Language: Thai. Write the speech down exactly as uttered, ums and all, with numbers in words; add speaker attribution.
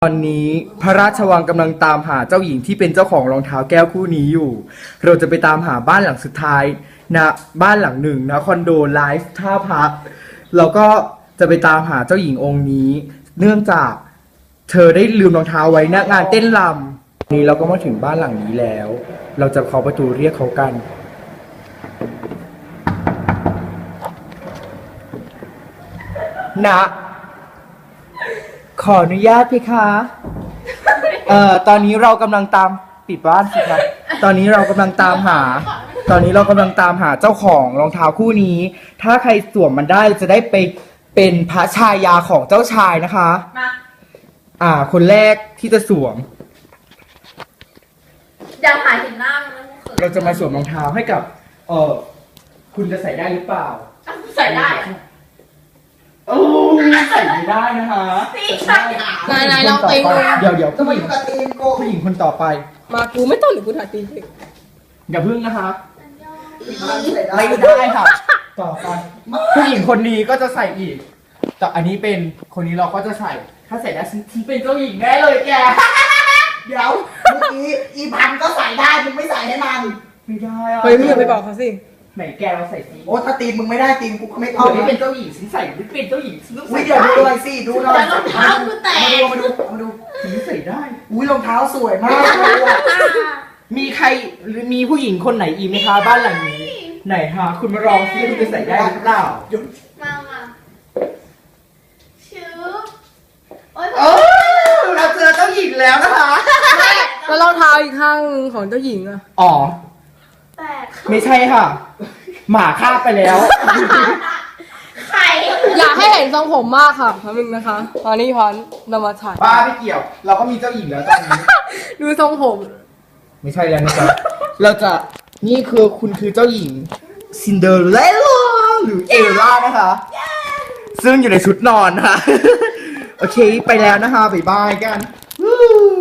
Speaker 1: ตอนนี้พระราชวังกำลังตามหาเจ้าหญิงที่เป็นเจ้าของรองเท้าแก้วคู่นี้อยู่เราจะไปตามหาบ้านหลังสุดท้ายนะบ้านหลังหนึ่งนะคอนโดไลฟ์ท่าพระเราก็จะไปตามหาเจ้าหญิงองค์นี้เนื่องจากเธอได้ลืมรองเท้าไว้ณงานเต้นรำนี้เราก็มาถึงบ้านหลังนี้แล้วเราจะเคาะประตูเรียกเขากันนะขออนุญาตพี่คะเอ่อตอนนี้เรากำลังตามปิดบ้านสิคะตอนนี้เรากำลังตามหา ตอนนี้เรากำลังตามหาเจ้าของรองเท้าคู่นี้ ถ้าใครสวมมันได้จะได้ไปเป็นพระชายาของเจ้าชายนะคะมาอ่า คนแรกที่จะสวม
Speaker 2: อย่าถ่ายเห็นหน้ามันนะ
Speaker 1: เราจะมาสวมรองเท้าให้กับ เออคุณจะใส่ได้หรือเปล่า
Speaker 2: ใส่ได้อะ
Speaker 1: โอ้ใส่ไม่ได้นะคะ
Speaker 3: นายนายลองตีงู
Speaker 1: เดี๋ยวเดี๋ยว
Speaker 4: จะ
Speaker 1: ผู้
Speaker 4: มา
Speaker 1: หญิ
Speaker 4: อง ยู่กับตีนกู
Speaker 1: ผู้หญิงคนต่อไป
Speaker 3: มากูไม่ต้องหรือกูถ่ายตีน
Speaker 1: อย่าพึ่งนะคะ
Speaker 4: ไม่
Speaker 1: ไม่
Speaker 4: ได้
Speaker 1: ได้ค่ะ ต่อไปผู้หญิงคนนี้ก็จะใส่อีก แต่อันนี้เป็นคนนี้เราก็จะใส่ ถ้าใส่ได้ฉันฉันเป็นเจ้าหญิงแน่เลยแก
Speaker 4: เดี๋ยวเมื่อกี้อีพันก็ใส่ได้มึงไม่ใส่ให้มัน
Speaker 1: ไม่ได้อะ
Speaker 3: เฮ้ยมึงอย่าไปบอกเขาสิ
Speaker 1: ไหนแกเราใส่สี
Speaker 4: โอ้ถ้าตีนมึงไม่ได้ตีนกูก็ไม่
Speaker 1: เอา
Speaker 4: เอา
Speaker 1: ไม่
Speaker 4: นะ
Speaker 1: เป็นเจ้าหญิงฉันใส่ไม่เป็นเจ้าหญิงฉันต้อง
Speaker 4: อุ้
Speaker 1: ใส่
Speaker 4: ยเดี๋ยวดูหน่อยสิดูหน่อย
Speaker 2: แล้วรองเท้ากูแตก
Speaker 4: มาดูมาดูมาดู
Speaker 1: ฉันใส่ได้
Speaker 4: อุ้ยรองเท้าสวยมากเลยอะ
Speaker 1: มีใครหรือมีผู้หญิงคนไหนอีกไหมคะบ้านหลังนี้ ไหนฮะคุณมาลองซิคุณจะใส่ได้หรือเปล่า
Speaker 2: มามาชื่อโอ๊ย
Speaker 1: โอ้เราเจอเจ้าหญิงแล้วนะคะ
Speaker 3: แล้วรองเท้าอีกข้างหนึ่งของเจ้าหญิงอะ
Speaker 1: อ๋อ
Speaker 2: แตก
Speaker 1: ไม่ใช่ค่ะ หมาฆ่าไปแล้ว
Speaker 2: ไข่
Speaker 3: อยากให้เห็นทรงผมมากค่ะพันนึงนะคะตอนนี้พันเรามาถ่าย
Speaker 1: บ้าไม่เกี่ยว เราก็มีเจ้าหญิงแล้วตอนนี้
Speaker 3: ดูทรงผม
Speaker 1: ไม่ใช่แล้วนะครับ เราจะ นี่คือคุณคือเจ้าหญิงซินเดอเรลล่าหรือเอลล่านะคะ ซึ่งอยู่ในชุดนอนนะคะ โอเค ไปแล้วนะคะ บ๊ายบายกัน